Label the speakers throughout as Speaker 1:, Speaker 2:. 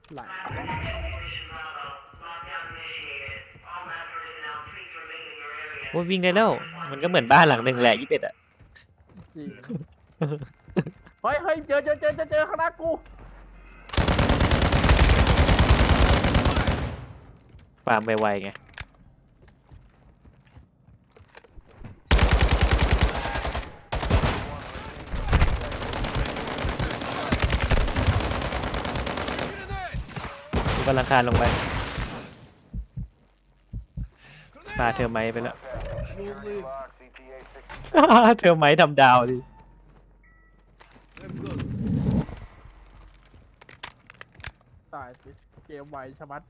Speaker 1: ไหล
Speaker 2: โอ้ยวิ่งได้แล้วมันก็เหมือนบ้านหลังหนึ่งแหละ21อ่ะ
Speaker 1: จริงเฮ้ยเจอข้างหน้ากู
Speaker 2: ฟาร์มไวๆไงกูกำลังคานลงไปปาเธอไม้ไปแล้ว เธอไม้ทำดาวดิ
Speaker 1: ตายสิเกมไวชะมัด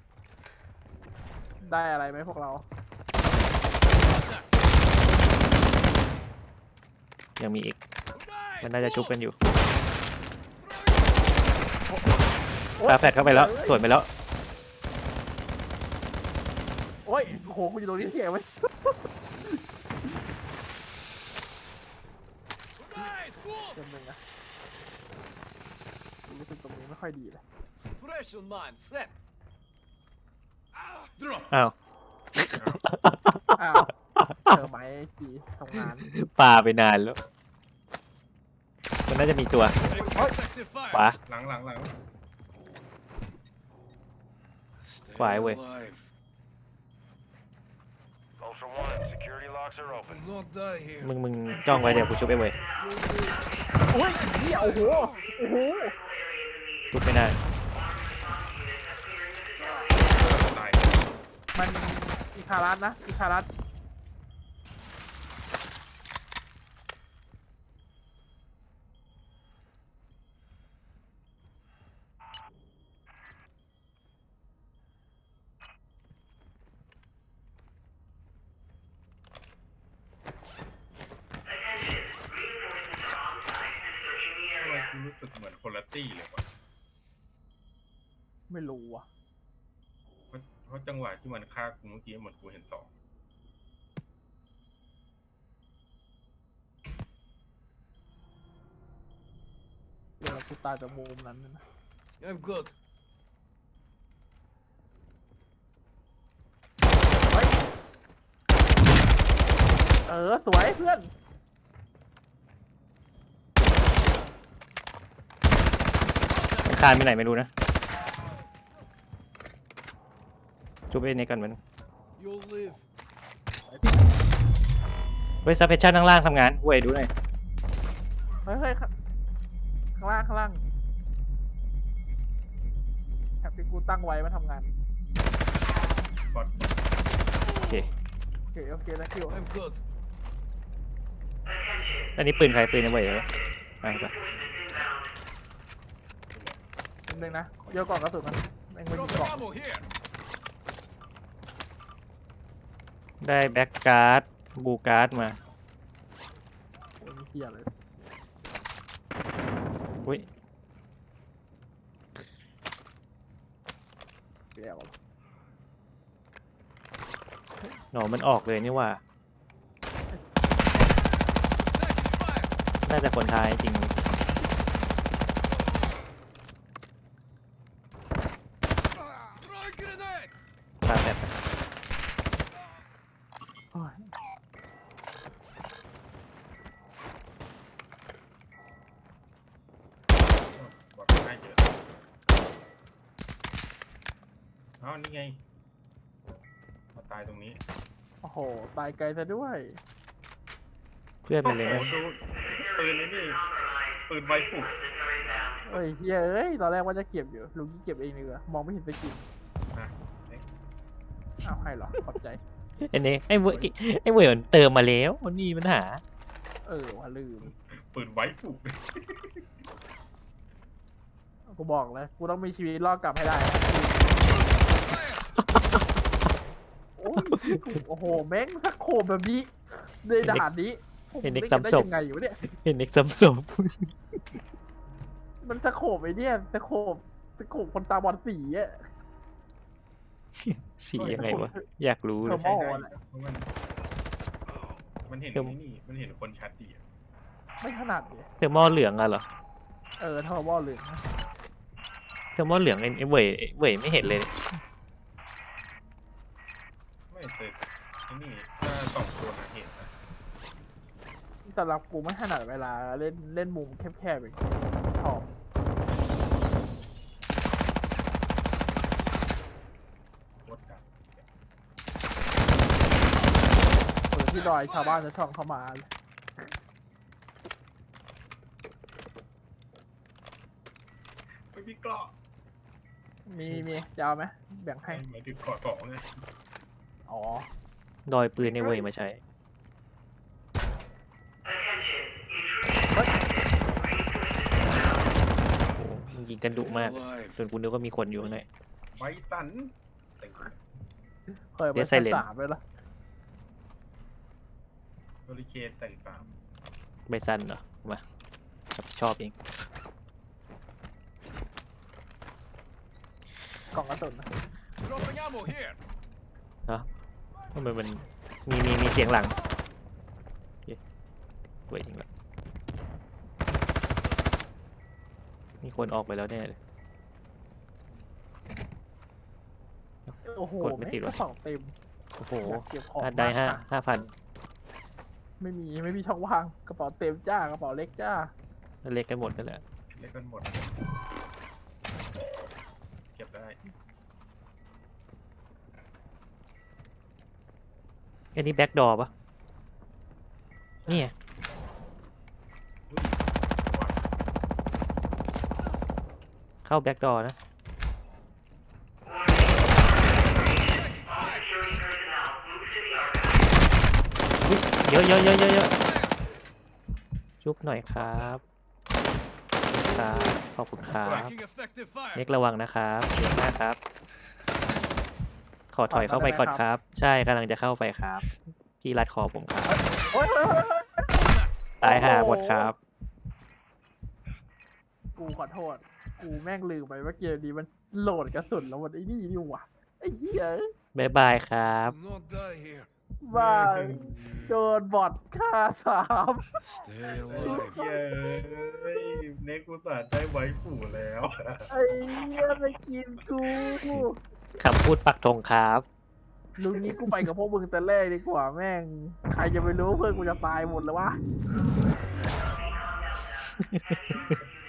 Speaker 1: ได้อะไรไหมพวกเรา
Speaker 2: ยังมีอีกมันน่าจะชุบกันอยู่ปาแฟดเข้าไปแล้วสวนไปแล้ว
Speaker 1: โอ้ยโอ้โหกูอยู่ตรงนี้เที่ยงไหมเต็มเลยนะรู้สึกตรงนี้ไม่ค่อยดีเลย
Speaker 3: Pressure mine set. Drop.
Speaker 2: อ้าว
Speaker 1: อ้าวเจอไหมสีทำงาน
Speaker 2: ปาไปนานแล้วมันน่าจะมีตัว
Speaker 3: Effective
Speaker 2: ขวา
Speaker 3: fire.
Speaker 4: หลัง
Speaker 3: Stay
Speaker 2: Quiet way.
Speaker 3: alive.
Speaker 5: Ultra One, security locks are open.
Speaker 3: Do not die here.
Speaker 2: มึงจ้องไว้เดี๋ยวกูชุบไปเว้ย
Speaker 1: โอ้ยเหี้ยโอ้โห
Speaker 2: ชุบไม่ได้
Speaker 4: ตาย
Speaker 1: มันอีคารัสนะอีคารัส
Speaker 4: ทำไมกูรู้สึกเหมือนคนละตี้เลยวะ
Speaker 1: ไม่รู้อ่ะ
Speaker 4: เพราะจังหวะที่มันฆ่ากูเมื่อกี้เหมือนกูเห็นสอง
Speaker 1: เดี๋ยวกูตายจากมุมนั้นนะ
Speaker 3: I'm good.
Speaker 1: เฮ้ยสวยเพื่อน
Speaker 2: มันคานไปไหนไม่รู้นะชุบไปในกันมัน
Speaker 3: You'll live.
Speaker 2: เว้ยซับเพชชั่นข้างล่างทำงานเว้ยดูหน่อย
Speaker 1: เฮ้ยข้างล่างแถบที่กูตั้งไว้มาทำงาน
Speaker 4: บอด
Speaker 2: โอเค
Speaker 1: โอเคนะคิว
Speaker 3: I'm good.
Speaker 2: อันนี้ปืนใครปืนไอ้เว้ยเหรอไปไป
Speaker 1: นิดนึงนะเยอะกล่องกระสุนมันแม่งไม่มี
Speaker 3: Drop
Speaker 1: กล่อง
Speaker 3: ammo here.
Speaker 2: ได้แบ็กการ์ดบูการ์ดมา
Speaker 1: โอ้ยมีเทียเลย
Speaker 2: อุ้ย
Speaker 1: เดี๋ยว
Speaker 2: หนอมันออกเลยนี่ว่า
Speaker 3: Taking fire.
Speaker 2: น่าจะคนท้ายจริง
Speaker 3: Throw grenade.
Speaker 2: ปาแฟด
Speaker 1: โอ้ย
Speaker 4: บอดง่ายเยอะอ้าวนี่ไงมาตายตรงนี้
Speaker 1: โอ้โหตายไกลซะด้วย
Speaker 2: เพื่อนมันเลย
Speaker 4: โอ้
Speaker 2: นะ
Speaker 4: โหดูปืนนี่ปืนไวฟุก
Speaker 1: เอ้ยตอนแรกว่าจะเก็บอยู่ลุงที่เก็บเองเลยมองไม่เห็นไปกิน
Speaker 4: นะ
Speaker 1: อ้าวให้เหรอขอบใจ
Speaker 2: ไอ้นี่ไอ้เว้ยมันเติมมาแล้วมันมีปัญหา
Speaker 1: ว่าลืม
Speaker 4: ปืนไวฟุก
Speaker 1: กูบอกเลยกูต้องมีชีวิตรอดกลับให้ได้โอ้ยโอ้โหแม่งถ้าโคมแบบนี้ในด่านนี้ผม
Speaker 2: เห็นเด็ก
Speaker 1: ได้
Speaker 2: ซ้ำศพ
Speaker 1: ยังไงอยู่เนี่ย
Speaker 2: เห็นเด็กซ้ำศพ
Speaker 1: มันตะโขบไอ้เนี่ยตะโขบคนตาบอดสีอะ
Speaker 2: สียังไงวะอยากรู้
Speaker 1: เท
Speaker 2: เล
Speaker 1: อย ร์โม
Speaker 4: ใช่
Speaker 1: แหละ
Speaker 4: เพราะมันเห็นนี่มันเห็นคนชัดดีอะ
Speaker 1: ไม่ถนัดเลย
Speaker 2: เทอร์โมเหลืองอะเหรอ
Speaker 1: เทอร์โมเหลือง
Speaker 2: แซลมอนเหลืองไอ้เว่ยไม่เห็นเลย
Speaker 4: ไม่เจอไอ้นี่ถ้าสองตัวนะเห็นนะ
Speaker 1: สำหรับกูไม่ถนัดเวลาเล่นมุมแคบๆอย่างนี้ชอบ
Speaker 4: โคตรกัน
Speaker 1: ที่ดอยชาวบ้านจะช่องเข้ามาเลย
Speaker 4: ไม่มีเกราะ
Speaker 1: มียาวไหมแบ่งให้
Speaker 4: หมายถึงเกราะสองไง
Speaker 1: อ๋อ
Speaker 2: ดอยปืนในเว่ยมาใช้โอ้มึงยิงกันดุมาก
Speaker 3: Alive.
Speaker 2: จนกูนึกว่ามีคนอยู่ข้างใน
Speaker 4: ไบตันเต็ง
Speaker 1: เคยไป
Speaker 2: เดี๋ยว
Speaker 1: ชั้น
Speaker 2: Silent
Speaker 1: 3เลยเหรอ
Speaker 4: โอริเคนแต่งตาม
Speaker 2: ใบสั้นเหรอมารับผิดชอบเอง
Speaker 1: กล่องกระสุนนะ
Speaker 3: Dropping ammo here.
Speaker 2: ทำไมมันมีเสียงหลังโอเคเว้ยจริงแล้วมีคนออกไปแล้วแน่เลย
Speaker 1: โอ้โห
Speaker 2: กดไม่ติดวะ
Speaker 1: กระสองเต็ม
Speaker 2: โอ้โห
Speaker 1: อยากเก็บของ
Speaker 2: อันได้
Speaker 1: มากค่ะ
Speaker 2: 5,000
Speaker 1: ไม่มีช่องว่างกระเป๋าเต็มจ้ากระเป๋าเล็กจ้า
Speaker 2: เล็กกันหมดนั่นแหละ
Speaker 4: เล่นกันหมด เก็บได้
Speaker 2: อันนี้แบ็กดอร์ปะนี่ไง
Speaker 4: อุ้ยว่า
Speaker 2: เข้าแบ็กดอร์นะอุ๊ยเยอะจุ๊บหน่อยครับขอบคุณครับ
Speaker 3: Taking effective fire.
Speaker 2: เน็กระวังนะครับเดี๋ยวหน้าครับ ขอถอยเข้าไปก่อนครับ ใช่กำลังจะเข้าไปครับ พี่รัดคอผมครับ
Speaker 1: โอ๊ย
Speaker 2: ตายห่าหมดครับ
Speaker 1: กูขอโทษ กูแม่งลืมไปว่าเกมนี้มันโหลดกระสุนแล้วมันไอ้นี่นี่หว่าไอ้เหี้ย
Speaker 2: บ๊ายบายครับ
Speaker 3: Do not die here.
Speaker 1: บ้าโดนบอทฆ่า3
Speaker 3: Stay alive.
Speaker 4: เย้ยเน็กกูตัดได้ไว้ปู่แล้ว
Speaker 1: ไอ้เหี้ยไปกินกู
Speaker 2: คำพูดปักธงครับ
Speaker 1: ลุงนี้กูไปกับพวกมึงแต่แรกดีกว่าแม่ง ใครจะไปรู้เพื่อนกูจะตายหมดแล้ววะ